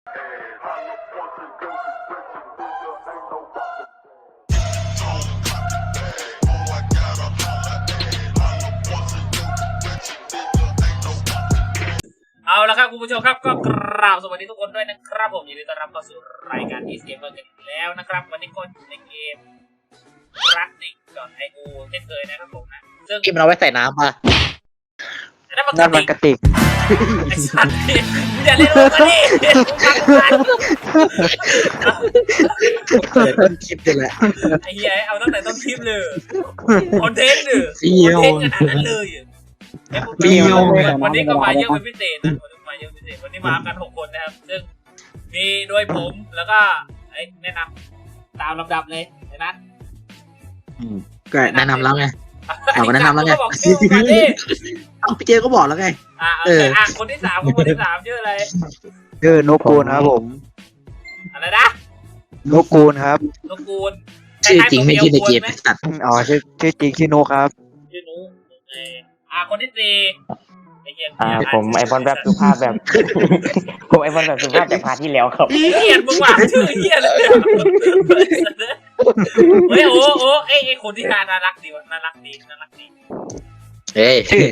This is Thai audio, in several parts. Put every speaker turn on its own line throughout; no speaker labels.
เอาละครับคุณผู้ชมครับก็กราบสวัสดีทุกคนด้วยนะครับผมยินดีต้อนรับเข้าสู่รายการEast Gamerกันอีกแล้วนะครับวันนี้ก็ในเกมRustic.io เช่นเคยนะครับผมนะซึ่ง
ที่มันเอาไว้ใส่น้ำป่ะ
นั่นมัน
กระติก
ไอ้สัตว์นี่มึงอย่าเล่นมุกกันดิ
ต้นคลิปนี่แหละ
ไอ้เหี้ยเอาตั้งแต่ต้นคลิปเลยคอนเทนต์เลยคอนเทนต์ขนาดนั้นเลยวันนี้ก็มาเยอะเป็นพิเศษนะวันนี้มากัน6คนนะครับซึ่งมีโดยผมแล้วก็แนะนำตามลำดับเลยนะ
ก็แนะนำแล้วไงเอาแนะนำแล้วไงเอาพี่เจก็บอกแล้วไง
คนที่3ชื่ออะไร
ชื่อนกกูลครับผม
อะไรนะ
นกกูลครับ
นกกูล
ชื่อจริงไม่ชื่อในเกมตัด
อ๋อชื่อจริงชื่อนุครับ
ชื่อนุคนที่
ผมไอบอลแบบสุภาพแบบผมไอบอลแบบสุภาพจากพาร์ทที่แล้วครับ
เฮียมึงว่าชื่อเฮียเลยเฮ้ยโอ้ไอคนที่น่ารักดีวะน่ารักดี
เฮ้ย
ชื่อ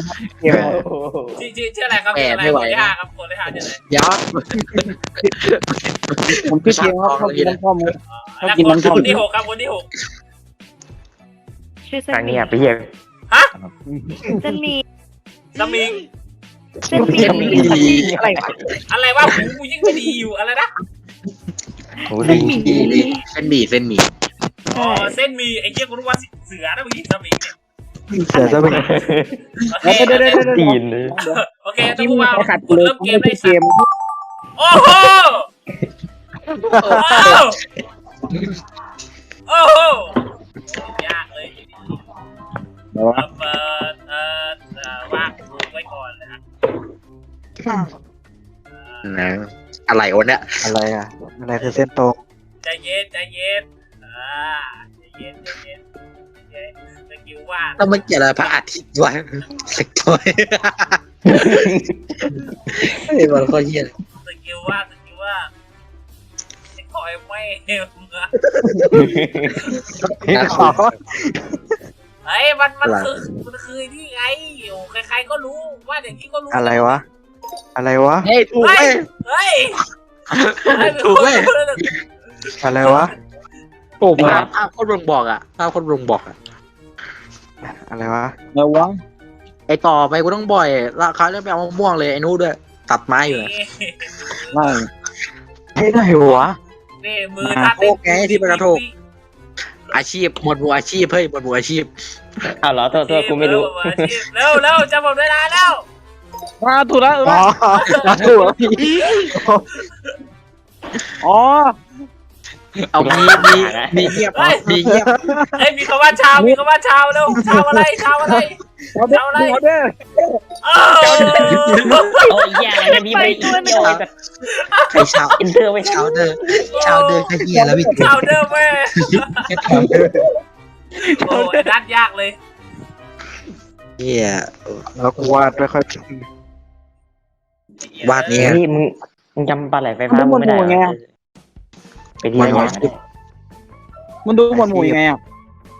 อะไรครับชื่ออะไรคนที่5ครับคนที่5ชื่ออะไร
ยักษ์
ผมชื่อเทียครับเขากินน้ำส้ม
แล้วคนที่6ครับคนที่6
ชื่อทางนี้ไปเฮีย
ฮะ
จะมี
สมิงอะไรวะกูยิ่งไม่ดีอยู่อะไรนะ
เส้นหมี่
อ๋อเส้นมีไอ้เหี้ยกูรู้ว่าเสือนะเมื่อกี้สมิง
เสือจะเป็น
ตีนเลย
โอเคต้องพูดว่าเริ่มเกมได้สักโอ้โหยากเลยว่างไว้ก่อนเลยนะ
อะไรวะเนี่ย
อะไรคือเส้นตรง
ใจเย็นใจเย็นสกิลว่า
แล้วมันเกี่ยวอะไรพระอาทิตย์วะสักตัวไอ้บอลเขาเยี่ย
สกิลว่าคอยไม่มึงอะเฮ้ยมันคือที่ไงอยู่ใครๆก็รู้ว่าอย่างนี้ก็รู้
อะไรวะ
เฮ้ยถูก
เฮ้ย
ถูกเว้ย
อะไรวะ
โอ้ภาพคนบ่งบอก
อะไรวะ
ไอต่อไปกูต้องบ่อยราคาเรื่องไปเอามะม่วงเลยไอ้นู้ด้วยตัดไม้อยู่
ไม่ได้วะ
นี่มือ
โอเคที่เป็นกระทงอาชีพหมวดหมู่อาชีพเฮ้ยหมวดหมู่อาชีพ
อ้าวเหรอตัวกูไม่รู้
เร็วจะหมดเวลาแล้ว
มาถูกแล้วถูกพี่อ๋อ
เอามีเงียบ
เฮ้ยมีคำว่าชาวแล้วชาวอะไร
โอ้ยแย่เลยพี่ไปเดียว
ใครชาว
อินเตอร์ไม่
ชาวเดอร์ขยี้แล้วพี่
ชาวเดอร์แม่โอ้ยนัดยากเลย
เฮีย
แล้วกูวาดไม่ค่อย
วาดนี้
นี่มึงจำปลาไหลไฟฟ้าไม่ได้ไปที่ไหน
มันดูหมวดหมู่ยังไงอ่ะ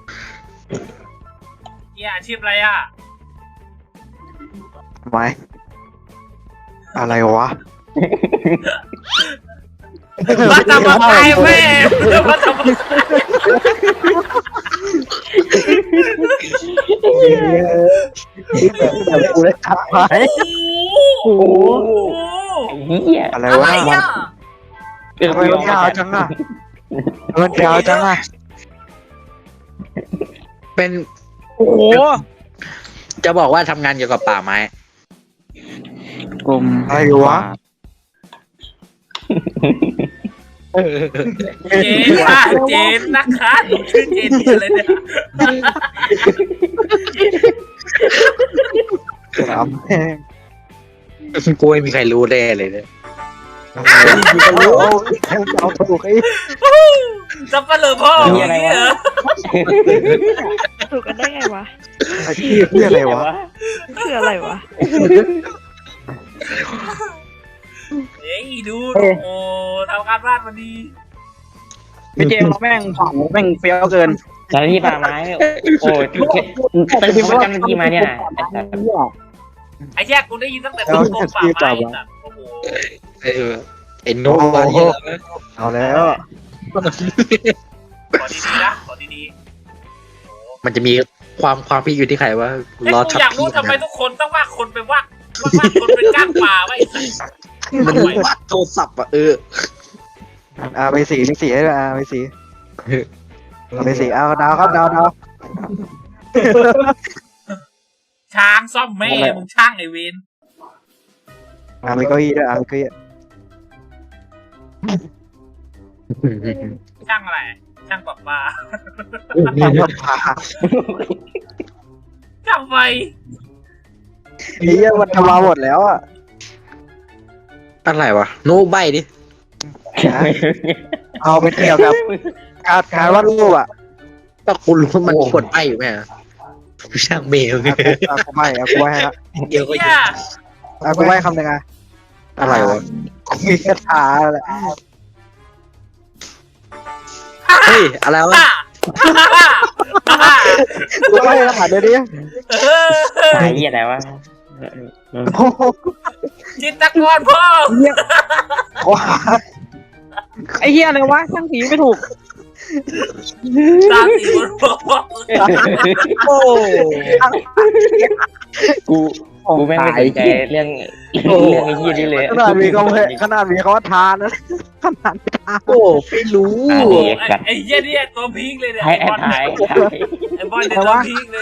อาชีพอะไรอ่ะ
ไม่อะไรวะ
มาทำอะไรแม่มาทำอะไร
แบบกูได้ทักไป
โอ้เหี้ย
อะไรวะมันยาวจังอ่ะ
เป็น
โอ้โห
จะบอกว่าทำงานเกี่ยวกับป่าไม้
กลุ่มอะไรวะ
เจนนะคะชื่อเจนอะไรเนี่ย
กูไม่มีใครรู้แน่เลยเนี่ย
เอาถูกไอ้
จะเปลือพ่ออะไรวะ
ถูกกันได้ไงวะ
อาชีพคืออะไรวะ
คืออะไรวะ
เฮ้ยดูโอ้โหทำการบ้านมาดี
พี่เจเราแม่งเผาแม่งเฟี้ยวเกิน
เจ้าหน้าที่ป่าไม้โอ้ยตั้งพิมพ์ว่าเจ้าหน้าที่มาเนี่ยนะ
ไอ้แย่กูได้ยินตั้งแต่ต้นกองป่าไม้สัตว์โอ้โห
ไอ้โน้ตเยอะ
เอาแล้ว
ขอดีๆนะขอดี
มันจะมีความพี่อยู่ที่ใครว่า
ๆไอ้กูอยากรู้ทำไมทุกคนต้องว่าคนเป็นว่าคนเป็นก้างป่าไว้ไอ้สัตว์
มันวาดโทรศัพท์อ่ะ
ไปสีให้ด้วยไปสีเอาดาวครับดาว
ช้างซ่อมแม่มึงช่างไอ้เวน
มีเก้าอี้ด้วยมีเก้าอี้
ช่างอะไรช่างปรับปลา
ทำมาผ่า
ทำไม
นี่มันทำมาหมดแล้วอ่ะ
อะไรวะโน้ตใบดิ
เอาไปเกี่ยวกับการวาดรูปอ่ะ
ถ้าคุณรู้ว่ามันกดใบอยู่ไหมช่างเบล
เอากูไม่ให้ละ
เดียวก็
เหี้
เย
ย
อะ
กูไม่คำหนึ่งอ่ะ
อะไรวะ
มีคาถาอะไร
เฮ้ยอะไรวะ
กูไม่คาถาเดี๋ยวนี้
ไอ้เหี้ยอะไรวะ
จิตตกรพ่อ
ไอ้เหี้ยอะไรวะช่างสีไม่ถูก
ตาสีบนพ่อ
โอ้
กูแม่งไม่สนใจเรื่องไอ้เหี้ยนี่เลย
ขนาดมีเขาว่าทานนะขนาดทาน
โอ้ไม่รู้
ไอ้เหี้ยนี่ตัวพีคเลยเนี่ย
ให้
ไอ้บอล
ถ่าย
ไอ้บอลเนี่ยตัวพีคเลย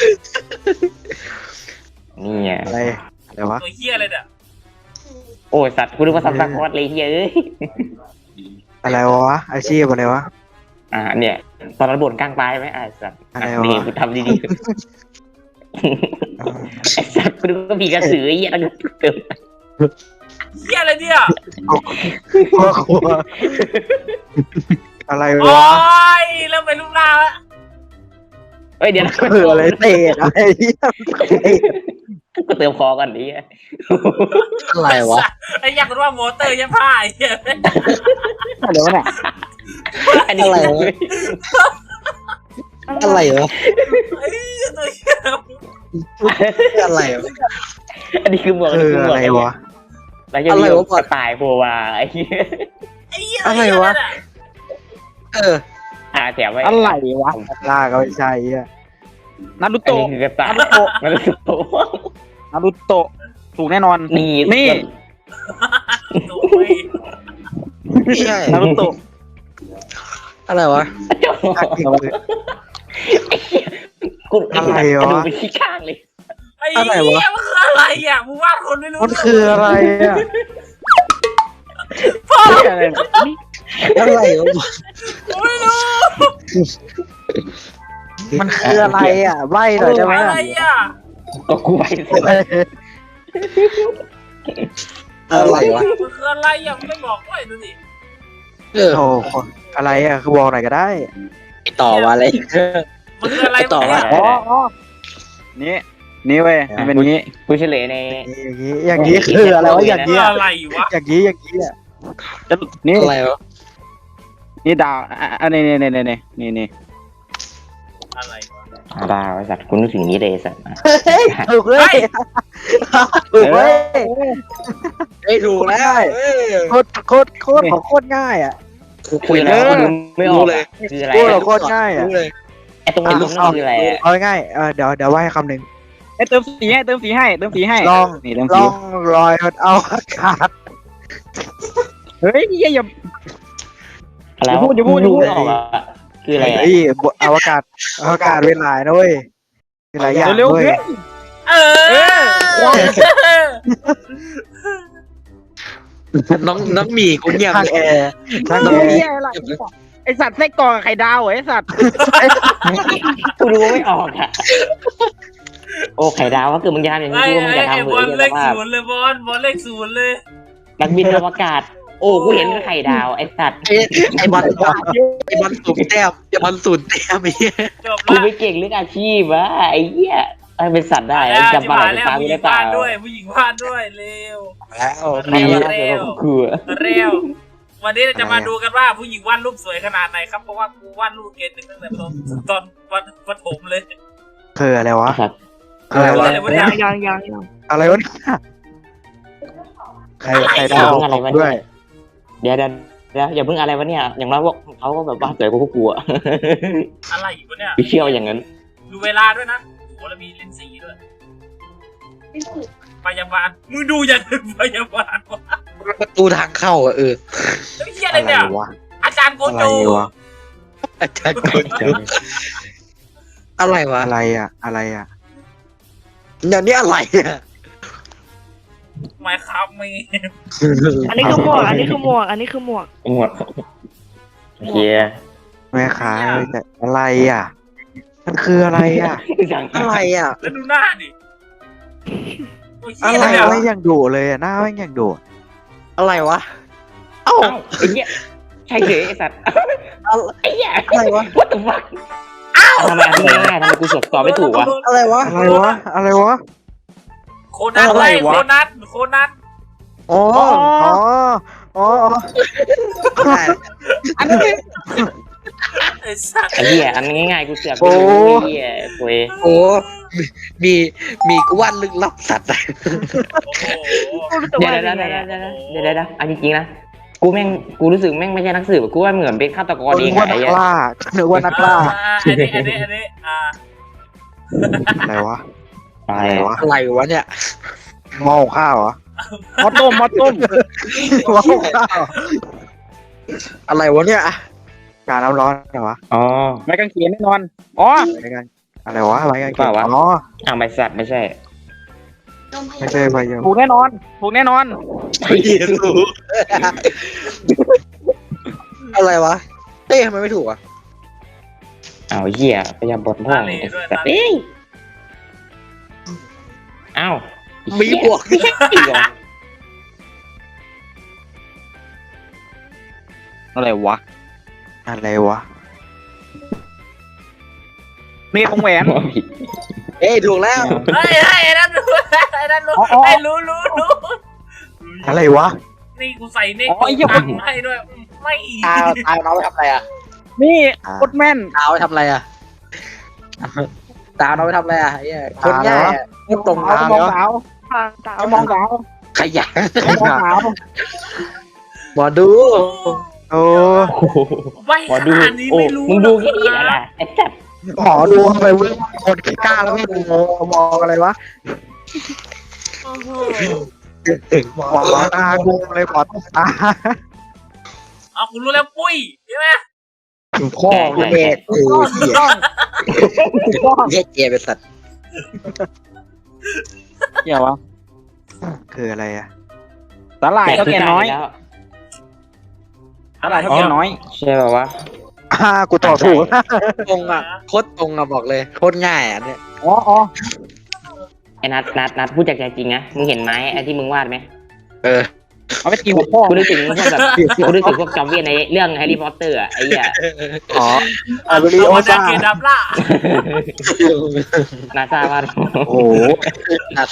นี่ไง
อะไรวะ
ตัวเหี้ยเลยเนี่ย
โอ้ยสัตว์กูนึกว่าสัตว์สักคอดเลยเฮ้ยเอ้ย
อะไรวะอาชีพอะไรวะ
เนี่ยตอนนั้นบ่นกลางปลายไหมสัตว์
อะไรวะ
นี่กูทำดีๆไอ้สัตว์กูนึกว่าผีกระสือไอ้เหี้ยแล้วกูเติม
เหี้ยอะไรเนี่ย
อะไร
โอ้
วะ
ยเริ่มเป็นรูปร่างแล้ว
เฮ้ยเดี๋ยวนะ
อะไรเตะอะไรเหี้ย
กูเติมคอก่อนดิ
อะไรวะ
ไอ้อยากรู้ว่าโมเตอร์ยังผ้าไอ้เหี้ย
เดี๋ยวเนี่ย
อันนี้
อะไรวะ
ไอ้เหี้ยตัวเหี้ย
อะไรวะ
อันนี้คือหมวก
อะไรวะ
แล้วยังมีกระต่ายโผล่มาไอ้เหี้ย
ไอ้เหี้ย
อะไรวะ
แถมไว้
อะไรวะล่าก็ไม่ใช่อ่ะนารุ
อัน
โตะ
นี้คือกระต่าย
นารุโตะถูกแน่นอน
นี่
ไม่ใช่
นารุโตะ
อะไรวะ
กูดูไปที่ข้างเลย
ไอ้เหี้ยมันคืออะไรอ่ะมึงวาดคนไม่รู้
มันคืออะไรอ่ะ
พ่อ
อะไร
อะไรวะ
กูไม่รู้
มันคืออะไรอ่ะใบหน่อยได้ไหม
อะไรอ่ะ
ก็กูไป
อะไรวะ
มันคืออะไรอ่ะมึงไม่บอกด้วยดูดิ
โอ้อะไรอ่ะคือบอกหน่อยก็ได้
ต่อมาอะไร
มันคืออะไร
ต่อว่า
นี่เว้ยมันเป็นงี้
กูเฉลยใน
อย่างนี้คืออะไรวะอย่าง
คือ
นี้
อะไรวะ
อย่างนี้อ่ะนี่
อะไรวะ
นี่ดาวนี่
อะไรวะ
ดาวไอ้สัตว์กูนึกถึงนี้เลยสัตว์
ถูกเลยถูกเลย
ไม่ถูกแล้ว
โคตรของโคตรง่ายอ่ะ
คุยแล้วกูไม่ออกเลยคืออะไร
โคตรง่ายอ่ะ
ไอ้ตรงนี้มันคืออะไร
เอาง่ายเดี๋ยวว่าให้คำหนึ่ง
เติมสีให้
ลอง
นี่เติม
ล
สี
องลอยเอาอากาศ
เฮ้ยอย่า
อะไรออกอ่ะคืออะไร
เฮ้ยอวกาศเวลานะเว้ยเวลาอย่าง
เร็ว
เว้ย
เออ
น้องหมีกูเงียบ
ทางแอร์ทาง
ๆ
แอ
เฮีย
ร์
อะไรไอสัตว์ไส้กรอกไข่ดาวไอสัตว์
กูดูไม่ออกอ่ะโอ้ไข่ดาวว่าคือมึงจะทำอย่างนี้
ไอ้
กูมึงจะ
ไอ้
ทำ
บอลเลขศูนย์เลยบอลเลขศูนย์เลย
นักบินอวกาศโอ้กูเห็นไข่ดาวไอ้สัตว์
ไอ้บอลสูนแต้มไอ้บอลสูนแต้มไอ้เหี้ย
จบ
กู
ละ
ไม่เก่งเรื่องอาชีพวะไอ้เหี้ยเป็นสัตว์ได้
แล้ว
จำปลาไหลเป็นปลา
ผู้
ไม่
หญิ
ได้
ง
เปล่าว
าดด้วยผู้หญิงวาดด้วยเร็ว
แล้ว
ดี
เร็ว
นะคือ
เร็ววันนี้เราจะมาดูกันว่าผู้หญิงวาดรูปสวยขนาดไหนครับเพราะว่ากูวาดรูปเกณฑ์หนึ่งตั้งแต่ตอนประถมเลย
คืออะไรวะ
สัตว์
อะไรวะ
อะไรวะเนี่ย
ยัง
อะไรวะเนี่ยใครได้ออก
อะไรวะ
ด้วย
เดี๋ยวอย่าเพิ่งอะไรวะเนี่ยอย่างน้อยพวกเขาก็แบบว่าสวยกว่าพวกกูอะ
อะไรอยู่วะเนี่ย
ไม่เชื่ออย่างนั้น
ดูเวลาด้วยนะโอ้แล้วมีเลนส์สีด้วยพยาบาลมึงดูอย่างอื่นพยาบาลวะ
ประตูทางเข้าอ่ะ
เฮ้ยเฮียอะไร
อะไร
เนี่ยว
ะ
อาจารย์โก
อะไร
โจ
วะ
อาจารย์คนเดียวอะไรวะ
อะไรอ่ะอะไรอ่ะ
อย่างนี้อะไรอ่ะ
หมายครับมี
อันนี้คือหมวก อันนี้คือหมวก อันนี้คือหมวก
หมดโอเค
แม่ค้าแต่อะไรอ่ะ มันคืออะไรอ่ะ
อะไรอ่ะ
แล้วดูหน้าดิโอ้ย
อะ
เฮีย
ไร
อะไรเนี่ย
ไม่ยังดุเลยอ่ะหน้าไม่ยังดุ
อะไรวะเอ้า
เอ้าไอ้เหี้ยใช่เฉยไอ้สัตว์ไอ้เหี้ย
อะไรวะ
what the fuck ทำไมอันนี้ง่ายๆทำไมกูตอบไม่ถูกวะ
อะไรวะ
อะไรวะอะไรวะ
โคนัน
อะไร
ไง
วะ
โคนันโคนัน
อ๋ออ๋ออ๋อ
อันนี้
ไอ้สัตว์
ไอ้เหี้ยอันนี้ง่ายๆกูเสือกไม่รู้ไอ้เหี้ยเว้ย
โอ้มีกวาดลึกลับสัตว์อะ
โอ้โห
เดี๋ยวอันจริงๆนะกูรู้สึกแม่งไม่ใช่นักสืบกูว่าเหมือนเป็นฆาตกร
นึ
เอก ง
ว่า
ไอ้
นัก
เหี้ย
ล่านึกว่านักล่า
อันนี้
อะไรวะ
ตาย
อะไรวะ
อะไรวะเนี่ย
หม้อข้าวเหรอ
หมอต้ม
หม้อข้าว
อะไรวะเนี่ย
การน้ำร้อนเหรอวะ
อ๋อ
ไม้กางเขนแน่นอนอ๋อ
อะไรกันอะไรวะอะไรกัน
เปล่าวะ
อ๋อ
อ่างใบสัตว์ไม่ใช่
ไม่ใช่พายม
ถูกแน่นอนถูกแน่นอน
ไม่รู้อะไรวะเต้ทำไมไม่ถูกอ่ะ
อ้าวเหี้ยพยายามบดพ่องไอ้สัตว์เอ้ยอ้าว
มีบวก
ไม่ใช่อีกเหรอ
อะไรวะ
อะไรวะ
เมฆของแหวน
ผิด
เอ้ยถูกแล้ว
ไอ้นั่นรู้ไอ้นั่นรู้
อ๋อ
ไอ้รู้
อะไรวะ
นี่กูใส่เน็ก
อ๋อไอ้เหี้ย
ตังให้ด้วยไม่
ตาเอาไปทำอะไรอ่ะ
นี่โคตรแม่น
ตาเอาไปทำอะไรอ่ะตาเอาไปทำอะไรอ่ะไอ้เหี้ยคนง่ายอ่ะไม่ตรง
เอา
ตาม
มองสาว
ทางตา
เอามองสาว
ขยัน
เอามองสาว
หมอดู
โอ้
โอ้โห
ไม่
หมอ
ข
ดู
นาดนี้
โอ้
ไม่รู้
มึงดูแค่นี้แหละไอ้สัตว์
หมอดูทำไมเว้ยคนขี้กล้าแล้วไม่ดูมองอะไรวะ
โอ้โห
หมอตากูเลยหมอตา
เอากูรู้แล้วปุ้ยใช่ไหม
พ่อเด็กโอ้ย
ถูกต้องถูกต้อง
เหี้ยเจเป็นสัตว์
เกี่ยววะ
คืออะไรอ่ะ
สาหร่ายเท่าแก่น้อย
แล้ว
สาหร่ายเท่าแก่น้อย
ใช่ป่าวะ
กูตอบถูก
ตรงอ่ะโคตรตรงอ่ะบอกเลยโคตรง่ายอ่ะเนี่ย
อ๋อ
ไอ้นัดพูดจากใจจริงนะมึงเห็นไหมไอ้ที่มึงวาดไหม
เออ
เอาไปตีหัวพ่อ
กูนึกถึงพวกแบบกูนึกถึงพวกจอมเวียนในเรื่องแฮร์รี่พอตเตอร์อะไอ้เหี้ย
อ๋ออาเบริโอ
ดา
ซ่า
เกดับล่า
นาซาวาด
โอ้โห
นัด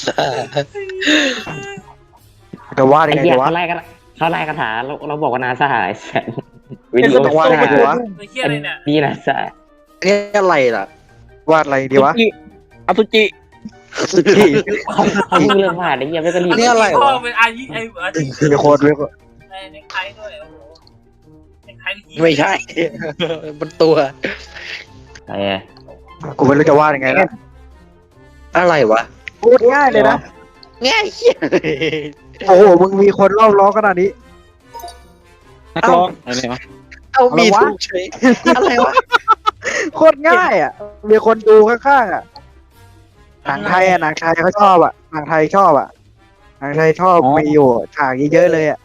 จะว่ายั
ไอ้
งไง
เหี้ย
ดีวะ
เขาไล่คาถาเราบอกว่านาซาไอ้สัสวิดีโอ
ต้องวาดยังไงดีวะ
ไอ้เหี้ยอะไรเนี่ย
นี่นาซา
อันนี้อะไรล่ะ
วาดอะไรดีวะ
อสุจิ
ที่
เขาเพิ่งเริ่มวาดไอ้เหี้ยไม่ก็รีบ
อันนี้อะไร
พ่อ
วะ
เป็นอายิไอ้อายิ
มีโค้ดด้วย
ไอ้เน็กไทด้วยโอ้โหเน็กไท
ไม่ใช่ มันตัว
ไอ้
กูไม่รู้จะวาดยังไงแล้ว
อะไรวะ
พูดง่ายเลยนะ
ง่ายเหี้ย
โอ้โหมึงมีคนรอบล้อขนาดนี้
นักร้องอะไรวะ
เอามี
อะไรวะ
ถูกเฉยอะไรวะ
โคตรง่ายอ่ะ มีคนดูข้างๆอ่ะ หนังไทยอ่ะหนังไทยเขาชอบอ่ะหนังไทยชอบอ่ะหนังไทยชอบมีอยู่ฉากเยอะๆเลยอ่ะ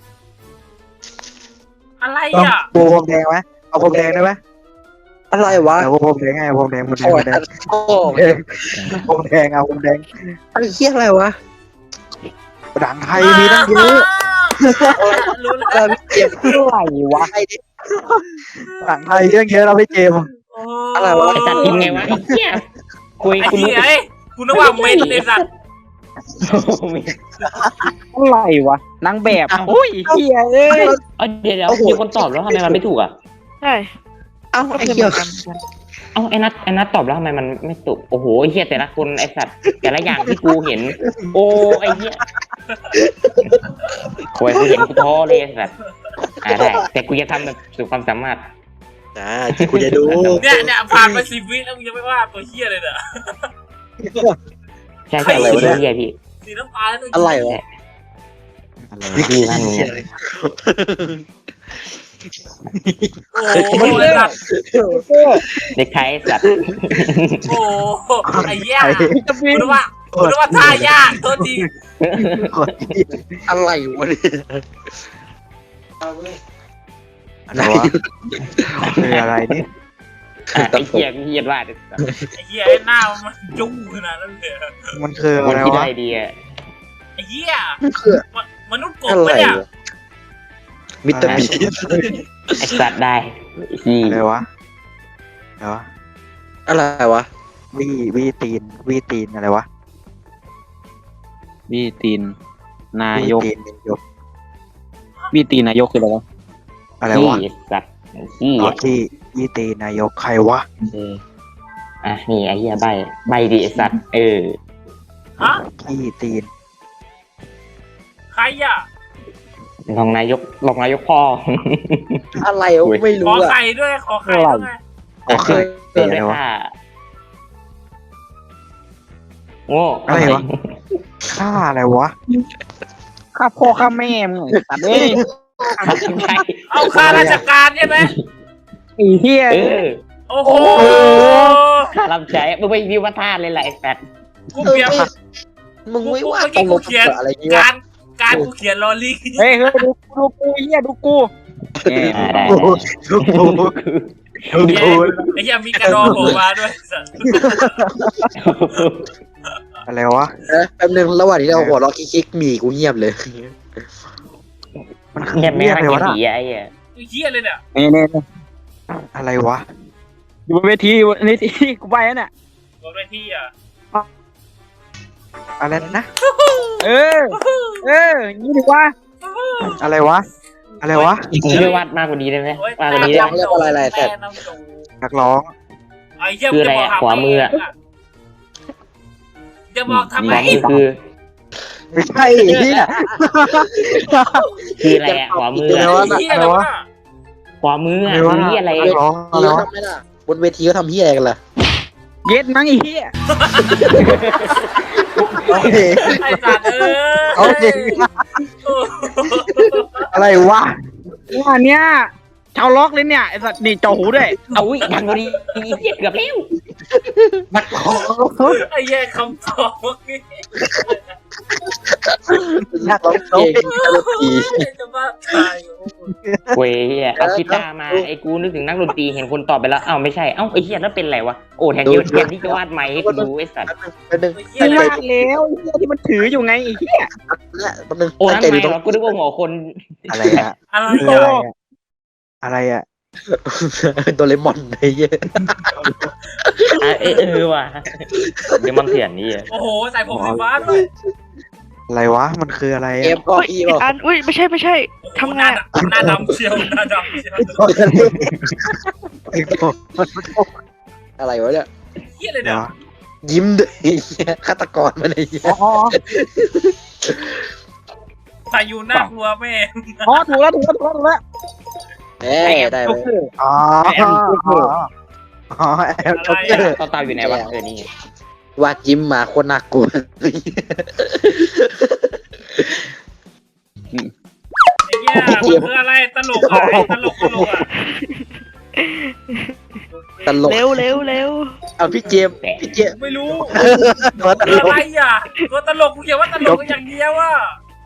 อะไร
ต้อง
อ่ะ
ปูพรมแดงไหมเอาพรมแดงได้ไหม
อะไรวะ
เอาพรมแดงไงพรมแดงพรมแดง
โอ้
พร
ย
มแดง
โอ้
พรมแดงเอาพรมแดง
ไอ้เหี้ยอะไรวะ
หนังไทยมีตั้งเยอะ
รู้แล้ว
พี่เจ็บ
อะไรวะ
ไอ้ดิ
หนังไทยเยอะเยอะเราไม่เจมส์
โอ้
อะไรวะ
ไอ้สัตว์พิมพ์ไงวะไอ้เหี้ยคุย
ไอ้
คุณรู้
เหี้ยไอ้กูนึกว่าเมนเลยสัตว์
อะไรวะนางแบบโอ้ยเฮียเอ้ย
เดี๋ยวมีคนตอบแล้วทำไมมันไม่ถูกอ่ะ
ใช่
เอ้าไอ้เหี้ย
ไอ้นัทตอบแล้วทำไมมันไม่ถูกโอ้โหไอ้เหี้ยแต่ละคนไอ้สัตว์แต่ละอย่างที่กูเห็น โอ้ไอ้เหี้ยโอ้ยกูเห็นกูท้อเลยไอ้สัตว์ได้แต่กูจะทำแบบสุดความสามารถ
กูจะดู
เนี่ยผ่านไป10 วิแล้วมึงยังไม่ว่าตัวเหี้ยเลยเนี่ย
ใช่เหี้ยพี่
สีน้ำตาลแล้ว
อะไรวะ
พี่นั่นมึง
โอ้โหไอ้สัตว์
เด็กไทยสัตว์
โอ้โหไอ้เหี้ยกูนึกว่าท่ายากโทษที
อะไรวะเนี่ยอะไร
คืออะไรนี่
ไอ้เหี้ยเหี้ยว่า
ไอ้เหี้ยไอ้หน้ามันจุ้งขนาดนั้นเลย
มันคือ
ค
อะ
น
ไร
ที่
วะ
ได้ดีอ่ะ
ไอ้เหี้ยมนุษย์กบ
อะไร
ปะเนี่ยว
ะมิสเตอร์บี
ไอ้สัตว์ได้ที่
อะไรวะอะไรวะ
อะไรวะ
วีตีนอะไรวะ
บีตีนนายก
วีตีนนายก
บีตีนนายกคืออะไรวะ
อะไร
ที่
วะ
สัตว์ที่
อ๋อที่วีตีนนายกใครวะ
นี่ไอ้เหี้ยใบดีไอ้สัตว์
ฮะ
ที่ตีน
ใครอ่ะ
รองนายกพ่อ
อะไรวะไม่
ข
รู้
อ
อ่ะ
ไข่ด้วยขอไข่ด้วยไง
โอเค
เกิด
อะไร
ได้
วะ
ค่าโง่
อะไรวะ ค่าอะไรวะ
ข้าพ่อข้าแม่มึงตัดเอ้ย
ใช่
เอาข้าราชการใช่ไหม
ไอ้เฮีย
โอ้โห
ค่ารับใช้มึงไปวิวัฒนาเลยแหละไอ้สัตว์
กูเขียน
มึงไม่ว่า
เมื่อ
ตร
กี้
ง
กูเขียน
อะไรเงี้ย
การกูเขียนลอรี่
เฮ้ยดูกูเฮียดูกู
ได้
โอ้โหทุกทูทุกทู
ไอ้เหี้ยมีกระดองโผล่มาด้วยสัตว์
อะไรวะ
แป๊บนึงระหว่างที่เราหัวเราะคิกๆมีกูเงียบเลย
มันคือ
เงียบแม่
เรียก
ง
อะไร
กิ
วะ
น
น่ะ
ผีไอ้เหี้ย
ไอ้เหี้ยเลยเนี่ย
นี่
อะไรวะ
อยู่บนเวทีกูไปแล้วเนี่ย
บนเวทีอ่ะ
อะไรนะ
เออนี่ดีว่า
อะไรวะ อะไรวะ
มึงช่วยวาดมากกว่านี้ได้ไหมมากกว่านี้ได้ไหม
เรียกว่าอะไรแทน
นักร้อง
ไอ้เหี้ย
คืออะไรอะขวามืออะ
จะบอกทำไม
ขวามือคือ
ไม่ใช่ที่น่ะ
คืออะไรอะขวามือ
ไอ้
อะ
เหี้ยอะไรวะ
ขวามืออะ
อะไรวะ
คืออะไร
นักร้องอะไร
เขา
วะ
ทำไม่ได้บนเวทีเขาทำเฮียอะไรกันล่ะ
เย็ดมั้งไอ้เฮีย
โอเค
ไอ้สัตว์
โอเคอะไรวะ
ว่าเนี่ยชาวล็อกเลยเนี่ยไอ้สัตว์นี่จ่อหูด้วย
เอาอุ้ยดังกว่านี้เหี้ยเกือบแล้ว
นักร้อง
ไอ้เหี้ยคำตอบเมื่อกี้
นักร้อง
เก่งดนตรี
จะบ้าตาย
เว้ยเหี้ยเอากีตาร์มาไอ้กูนึกถึงนักดนตรีเห็นคนตอบไปแล้วอ้าวไม่ใช่เอ้าไอ้เหี้ยแล้วเป็นไรวะโอ้แทนที่จะวาดไม้ให้กูดูไอ้สัตว์
แป๊บนึง
ไอ้เหี้ย
ไม่
เลย
ว่าแล้วเฮียที่มันถืออยู่ไงไอ้เฮีย
แป๊บนึง
โอ้
ตั้ง
นั่น
ใจ
ไง
ดูตรง
วะกูนึกว่าหัวคน
อะไรอะ
อะไร
คืออะไรอะอะไรอะ
โดเรมอนไอ้เหี้ย
ว่ะเดี๋ยวมันเถื่อนนี่
โอ้โหใส่ผมสีฟ้าด้วย
อะไรวะมันคืออะไร
เก
อะ
มก็
อุ้ย
อี
อี
บ
กอันอุ้ยไม่ใช่ทำไงอะ
หน้าดำเชียวหน้าดำเชียว
อะไรวะเนี่ย
เหี้ยเลยเนี่ย
ยิ้มด้วยไอ้เหี้ยฆาตกรมันไอ้เหี้ย
อ๋อ
ใส่อยู่หน้ากลัวแม่
ถูกแล้ว
เอ้ยได้ไหม
อ๋ออ๋อแอลจ็อกเกอร์
ต่อตาอยู่ไหนวะนี่
วาดยิ้มมาโคตรน่ากลัว
ไอ้เหี้ยมันคืออะไรตลกอะไอ้ตลกอะ
ตลก
เร็ว
เอาพี่เจมส์
ไม่รู้
ตัวตล
อะ
ก
ไรอ่ะตัวตลกกูเขียนว่าตลกอย่างเดียวอ่ะ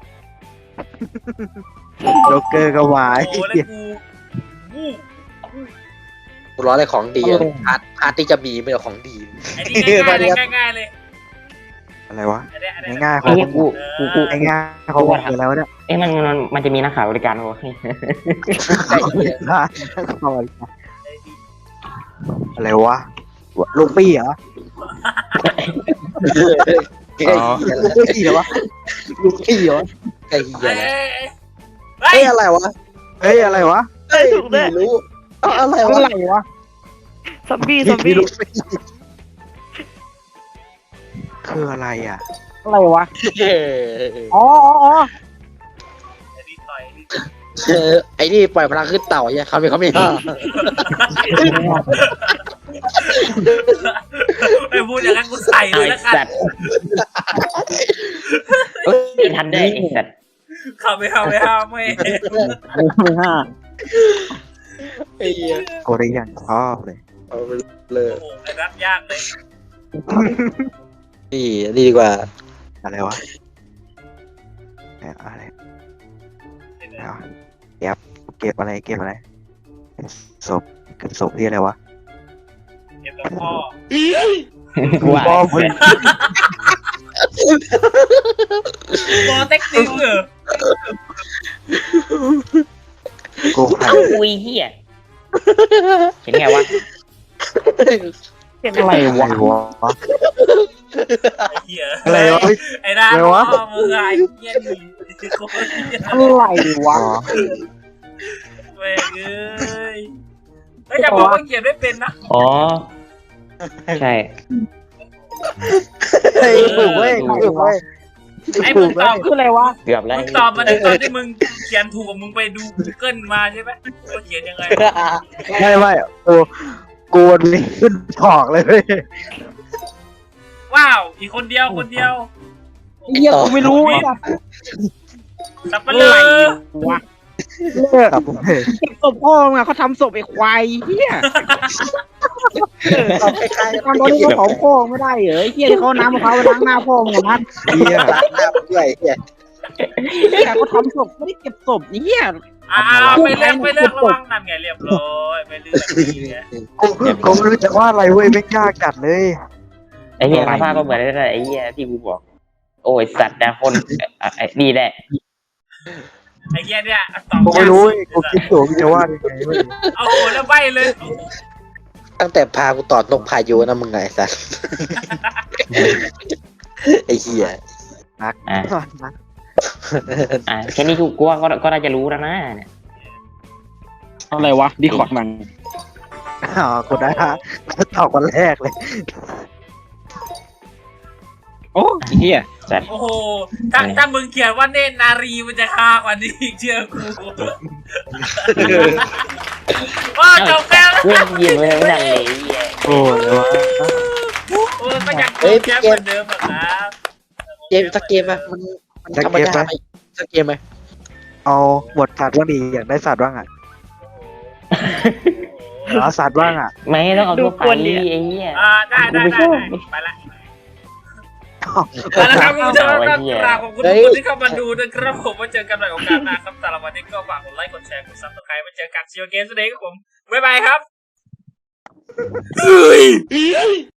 จ็อกเกอร์ก็วาย
โอ้แล้วกูวู้
กูร้อนอะไรของดีอะพาร์ทที่จะมีไม่ใช่ของดี
ไอ้นี่ง่ายๆเลยง่ายๆเลย
อะไรวะ
อันเนี้ย
ง่ายๆข
ไอ้
อง
เหี้ยกู
ง่ายๆของคือแล้วเนี่ย
มันจะมีนักข่าวบริการวะ
อะไรวะลูกปี้เหรออ๋อลูกขี้เหรอวะลูกขี้เหรอ
ไอ้เหี้ย
เฮ้ย
เฮ้ยอะไรวะ
เฮ้ยอะไรวะ
เฮ้ยไม่รู้อะไรวะ
อะไรวะ
ซอมบี้ซอมบี้
ลูกขี้คืออะไรอ่ะอะไรวะอ๋ออ๋อ
นิดหน่อยนิด
ไอ้นี่ปล่อยพลังขึ้นเต่าเนี่ยเขาไม่ห้า
ไอ้พูดอย่างนั้นกูใส่เล
ไอ้
ยแล้วกัน
สัตว์ไม่ทันได้ไอ้สัตว์
เข้าไม่เข้าไม่เข้าไม่
ไม่ห้า
ไอ้เหี้ย
โกได้ยังชอบเลย
เอาไปเลย
โอ้โหไอ้รัดยากเลย
นี่ดีกว่า
อะไรวะอะไรวะเก็บอะไรเก็บอะไรศพเก็บศพที่อะไรวะ
เก็บกับพ่อ
ว่า
พ่อมึง
โปรเทคนิวเหรอ
กูใคร
เอ้าอุ้ยเหี้ยเห็นไงวะ
เห็น
อะไรวะ
ไอ้เหี้ย
อะไรวะ
ไอ้ด้าน
อะไรวะ
พ่อมึงไอ้เหี้ยนี่โคตรเหี้ย
อะไรวะ
แม่งเอ้ยแล้วอย่าบอกว่าเขียนไม่เป็นนะ
อ๋อใช่
เฮ้ยถูกเว้ยถูกเว้ย
ไอ้มึงตอบ
คืออะไรวะ
เกือบแล้ว
มึงตอบมาในตอนที่มึงเขียนถูกกับมึงไปดู Google มาใช่ไหมว่าเขียนยังไง
ไม่กูวันนี้ขึ้นถอกเลยเว้ย
ว้าวอีกคนเดียวคนเดียว
เฮียกูไม่รู้อ่ะ
สับปะเลอ
วะ
เลิกกับผมเลย
เก็บศพพ่อมึงอะเขาทำศพไอ้ควายเฮีย
เอาคล้ายๆ
ตอนนี้เขาเผาพ่อไม่ได้เหรอไอ้เฮียที่เขาน้ำมะพร้าวไปล้างหน้าพ่อมึงอะนะ
เฮีย
ล้างหน้าด้วยเหี้ย
เฮียเขาทำศพไม่ได้เก็บศพไอ้เฮีย
ไปเลือกระวังนั่นไงเรียบร้อยไปเลือกนี่ไง
กูไม่รู้จะว่าอะไรเว้ยไม่ยากจัดเลย
ไอ้เหี้ยสภาพก็เหมือนได้ไอ้เหี้ยที่กูบอก โอ้ยสัตว์นะคนไอ้นี่แหละ
ไอ้เหี้ยเนี่ยตอบ
กู
ยา
ไม่
ก
รู้
สุ
เว้ย
ด
กูคิดอยู่จะว่ายังไงเว้ย
เอาโหแล้วใบเลย
ตั้งแต่พากูตอดนกพายุนะมึงไงสัสไอ้เหี้ย
นัก
อ่ะแค่นี้กูว่าก็น่าจะรู้แล้วนะเนี่ย
อะไรวะดีคอร์ดมัน
อ๋อกูได้ฮะตอบคนแรกเลย
โอ้ไอ้เฮีย
โอ้โหถ้ามึงเขียนว่าเนตรนารีมันจะฆ่ากว่านี้อีกเชื่อกูว้าจบแล้ว
เพื่อนยิงเลยไม่ดังเลยไอ้เหี้ย
โอ้ยวะ
โอ้ก็ยังคงแค่เหมือนเดิมอะครับ
เกมสักเกมไหมมันธรรมดาไหมสักเกมไหม
เอาหมดสัตว์บ้างดีอยากได้สัตว์บ้างอ่ะเอาสัตว์บ้างอ่ะ
ไม่ต้องเอาตัวไปไอ้เหี้ย
ได้ไปละแล้วครับคุณผู้ชมครับกราบขอบคุณทุกคนที่เข้ามาดูนะครับผมมาเจอกันใหม่โอกาสหน้าครับสำหรับวันนี้ก็ฝากกดไลค์กดแชร์กดซับสไครต์มาเจอกันซีโอเกมส์เดย์ครับผมบ๊ายบายครับ